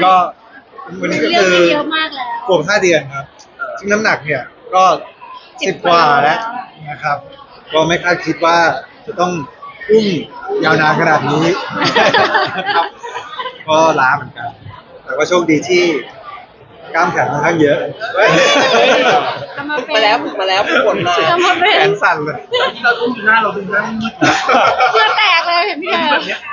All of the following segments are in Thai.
ก็วันนี้ก็เรื่องคือไปเยอะมากแล้วขวบ5 เดือนครับซึ่งน้ำหนักเนี่ยก็10 กว่าแล้วนะครับ ก็ไม่คาดคิดว่าจะต้องอุ้มยาวนานขนาดนี้นะครับก็ล้าเหมือนกัน แต่ก็โชคดีที่กล้ามแขนค่อนข้างเยอะจะมาฝึกเป็นมาแล้วฝึกมาจะมาเป็แขนนสั่นเลยที่เราต้องดูหน้าเราดูหน้ามืดเพื่อแตกเลยเห็นพี่เธอ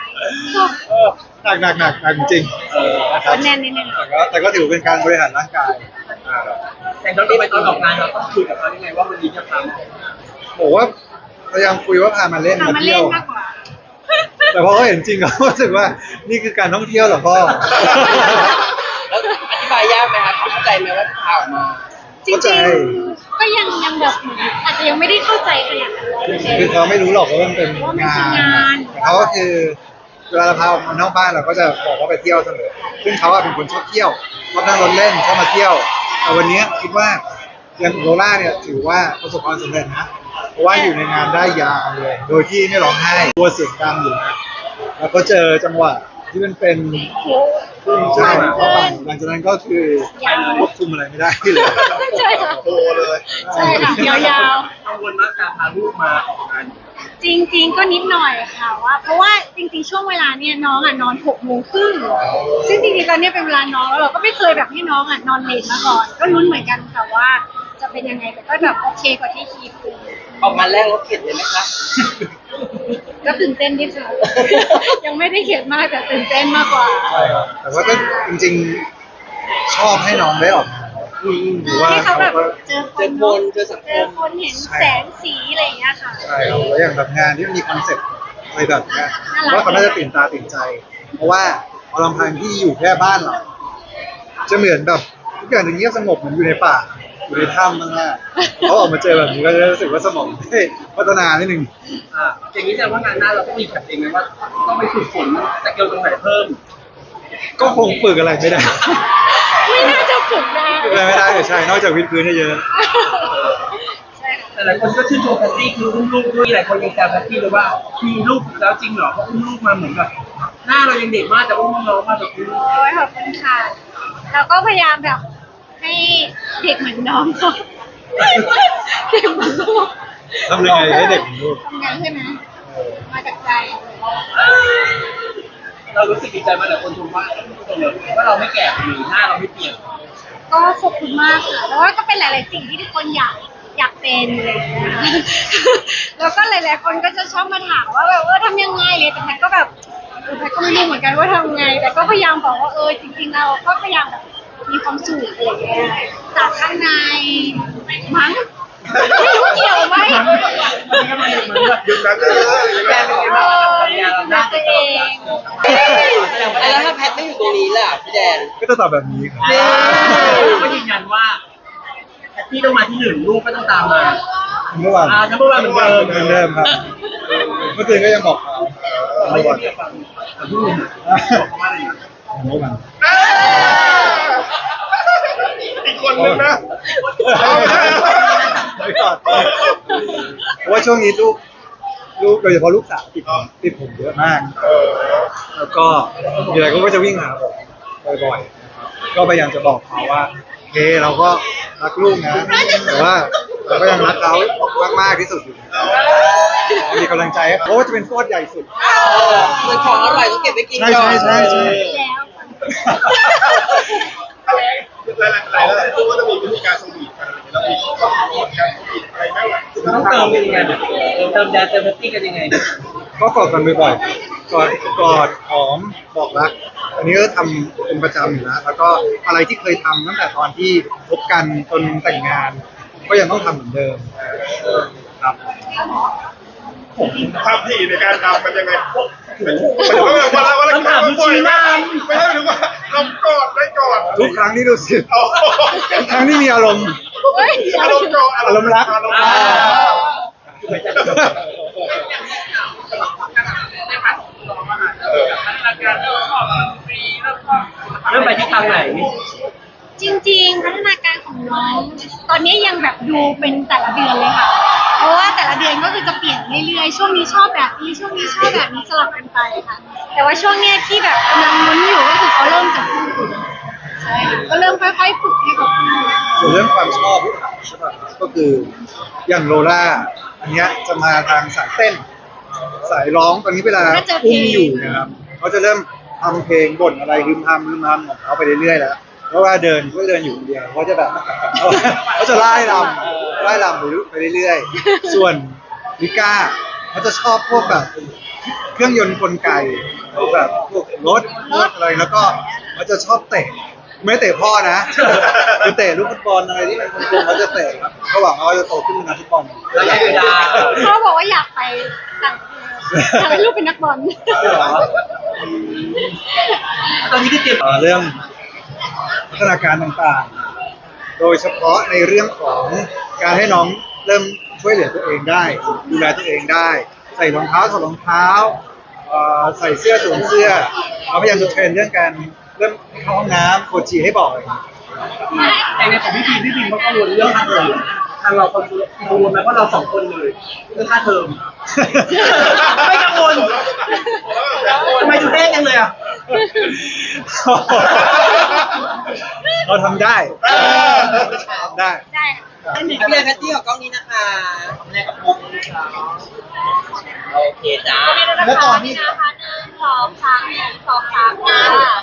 หนักจริงๆนะครับแน่นนิดนึงแต่ก็ถือเป็นการบริหารร่างกายแต่ตอนไปตอนออกงานเราต้องคุยกับเขายังไงว่าวันนี้จะทำบอกว่าพยายามคุยว่าพามาเล่นทำมามาเล่เที่ยนวมากกว่าแต่พอเขาเห็นจริงเขารู้สึกว่านี่คือการท่องเที่ยวเหรอพ่อแล้วอธิบายยากไหมครับเข้าใจไหมว่าที่พาออกมาจริงๆก็ยังแบบอาจจะยังไม่ได้เข้าใจขนาดนั้นคือเขาไม่รู้หรอกว่ามันเป็นว่ามันงาคืองานนแต่เขาก็คือเวลาเราพาออกมานอกบ้านเราก็จะบอกว่าไปเที่ยวเสมอซึ่งเขาเป็นคนชอบเที่ยวชอบนั่งรถเล่นชอบมาเที่ยวแต่วันนี้คิดว่าอย่างโรล่าเนี่ยถือว่าประสบความสำเร็จนะเพราะว่าอยู่ในงานได้ยาวเลย โดยที่ไม่ร้องไห้ตัวเสียงดังอยู่นะแล้วก็เจอจังหวะที่มันเป็นใช่เข้าไปหลังจากนั้นก็คือควบคุมอะไรไม่ได้เลยใช่ค่ะโตเลยใช่ค่ะยาวกังวลมากการพาลูกมาออกงานๆจริง ๆ ก็นิดหน่อยค่ะว่าเพราะว่าจริงๆช่วงเวลาเนี่ยน้องนอน6 โมงครึ่งซึ่งจริงๆตอนนี้เป็นเวลานอนแล้วเราก็ไม่เคยแบบให้น้องนอนเลทมาก่อนก็ลุ้นเหมือนกันค่ะว่าจะเป็นยังไงแต่ก็แบบโอเคกว่าที่คิดออกงานแรกรถเข็นเลยไหมคะก็ตื่นเต้นนิดนึง ยังไม่ได้เขียนมากแต่ตื่นเต้นมากกว่าใช่ครับแต่ว่าก็จริงๆชอบให้น้องได้ออกมาหรือว่าให้เขาเขาแบบก็เจอคเจอน คนเจอสังเจคอมคนเห็นแสงสีอะไรอย่างเงี้ยค่ะใช่ครับแล้วอย่างแบบงานที่มันมีคอนเซ็ปต์อะไรแบบเนี้ยน่ารักว่าเขาน่าจะตื่นตาตื่นใจ เพราะว่าพอลำพังที่อยู่แค่บ้านเราจะเหมือนแบบทุกอย่างจะเงียบสงบเหมือนอยู่ในป่าอยู่ในถ้ำมากๆเขาออกมาเจอแบบนี้ก็จะรู้สึกว่าสมองได้พัฒนานิดนึงอย่างนี้แสดงว่างานหน้าเราต้องมีแผนเองไหมว่าต้องไปฝึกฝนสเกิลตรงไหนเพิ่มก็คงฝึกอะไรไม่ได้ไม่น่าจะฝึกได้ฝึกอะไรไม่ได้แต่ใช่นอกจากวิดพื้นเยอะใช่ค่ะแต่หลายคนก็ชื่นชมแพตตี้คืออุ้มลูกด้วยหลายคนยังแซวแพตตี้เลยว่ามีลูกแล้วจริงเหรอเพราะอุ้มลูกมาเหมือนแบบหน้าเรายังเด็กมากแต่อุ้มน้องมาแบบอุ้มโอ้ยขอบคุณค่ะเราก็พยายามแบบให้เด็กเหมือนน้องเขาเด็กเหมือนลูกๆทำยังไงให้เด็กเหมือนลูกทำไงใช่ไหมมาจากใจเรารู้สึกดีใจมากแต่คนชมว่าว่าเราไม่แก่หรือหน้าเราไม่เปลี่ยนก็ขอบคุณมากค่ะแล้วก็เป็นหลาย ๆ สิ่งที่ทุกคนอยากเป็นอะไรอย่างเงี้ยค่ะแล้วก็หลาย ๆ คนก็จะชอบมาถามว่าแบบทำยังไงเลยแต่แพทก็แบบแพทก็ไม่รู้เหมือนกันว่าทำไง แต่ก็พยายามบอกว่าจริง ๆ เราก็พยายามแบบมีความสุขอะไรอย่างเงี้ยจากข้างในมั้งไม่รู้เกี่ยวไหมยุคนั้นเลยแม่เป็นไงบ้างรักตัวเองแล้วถ้าแพทไม่อยู่ตรงนี้ล่ะพี่แดนก็จะตอบแบบนี้ครับก็ยืนยันว่าแพตตี้ต้องมาที่หนึ่งลูกก็ต้องตามมาเมื่อวานน้ำเมื่อวานเหมือนเดิมเหมือนเดิมครับ เมื่อคืนก็ยังบอกเขาไม่เมื่อวานได้ฟังแต่พูดบอกเขาว่าอะไรนะเมื่อวานอีกคนนึงนะไม่ก่อนเพราะว่าช่วงนี้ลูกโดยเฉพาะลูกสาวติดผมเยอะมาก แล้วก็มีอะไรก็จะวิ่งหาผมบ่อยๆก็พยายามจะบอกเขาว่าเฮ้เราก็รักลูกนะ แต่ว่าเราก็ยังรักเขามากๆที่สุดอยู่มีกำลังใจให้เขาเพราะว่าจะเป็นโคตรใหญ่สุดเหมือนของอร่อยต้องเก็บไว้กินใช่ก่อนใช่แล้วหลายๆตัวก็จะมีวิธีการสวีทกันแล้วมีการสวีทอะไรไม่ไหวต้องเติมกันยังไงเติมแดนเติมแพตตี้กันยังไงก็กอดกันบ่อยๆกอดหอมบอกรัก อันนี้ก็ทำเป็นประจำอยู่นะแล้วก็อะไรที่เคยทำตั้งแต่ตอนที่พบกันจนแต่งงาน ก็ยังต้องทำเหมือนเดิมครับความถี่ในการทำมันยังไงมันจะว่าเราบ่อยมากไม่ใช่หรือว่าเรากอดได้กอดทุกครั้งที่รู้สึกทุกครั้งที่มีอารมณ์เฮ้ยอารมณ์กอดอารมณ์รักอารมณ์รักเริ่มไปที่ทางไหนจริงๆพัฒนาการของน้องตอนนี้ยังแบบดูเป็นแต่ละเดือนเลยค่ะ เพราะว่าแต่ละเดือนก็คือจะเปลี่ยนเรื่อยๆช่วงนี้ชอบแบบนี้ช่วงนี้ชอบแบบนี้สลับกันไปค่ะ แต่ว่าช่วงเนี้ยที่แบบกำลังลุ้นอยู่ก็คือเขาเริ่มจะพูดส่วนเรื่องความชอบใช่ป่ะก็คืออย่างโลล่าอันเนี้ยจะมาทางสายเต้น สายร้องตอนนี้เวลาก็เจอเพลงอุ้มอยู่เนะครับเขาจะเริ่มทำเพลงบ่นอะไรรึมทำของเขาไปเรื่อยๆแล้วเพราะว่าเดินก็เดินอยู่คนเดียวเขาจะแบบเขาจะไล่รำไปเรื่อยๆส่วนลิก้าเขาจะชอบพวกแบบเครื่องยนต์กลไกพวกแบบพวกรถอะไรแล้วก็เขาจะชอบเตะไม่เตะพ่อนะคือเตะลูกฟุตบอลอะไรที่มันกลมๆเขาจะเตะครับเขาหวังว่าเขาจะโตขึ้นเป็นนักฟุตบอลระยะเวลาเขาบอกว่าอยากไปต่างอยากให้ลูกเป็นนักบอลตอนนี้ก็เตรียมเรื่องพัฒนาการต่างๆ โดยเฉพาะในเรื่องของการให้น้องเริ่มช่วยเหลือตัวเองได้ ดูแลตัวเองได้ ใส่รองเท้าถอดรองเท้าใส่เสื้อสวมเสื้อเราพยายามจะเทรนเรื่องการเริ่มเข้าห้องน้ำโคชชีให้บอกเลยแต่ในของพี่บีมเขากังวลเรื่องค่าเทอมทางเรากังวลไหมเพราะเรา2 คนเลยเรื่องค่าเทอมไม่กังวลทำไมดูแห้งจังเลยอ่ะเราทำได้ทำได้ได้พี่แอนแพตตี้ของกล้องนี้นะคะแรกกับมุกโอเคจ้าแล้วตอนที่นะคะ1 2 3 1 2 3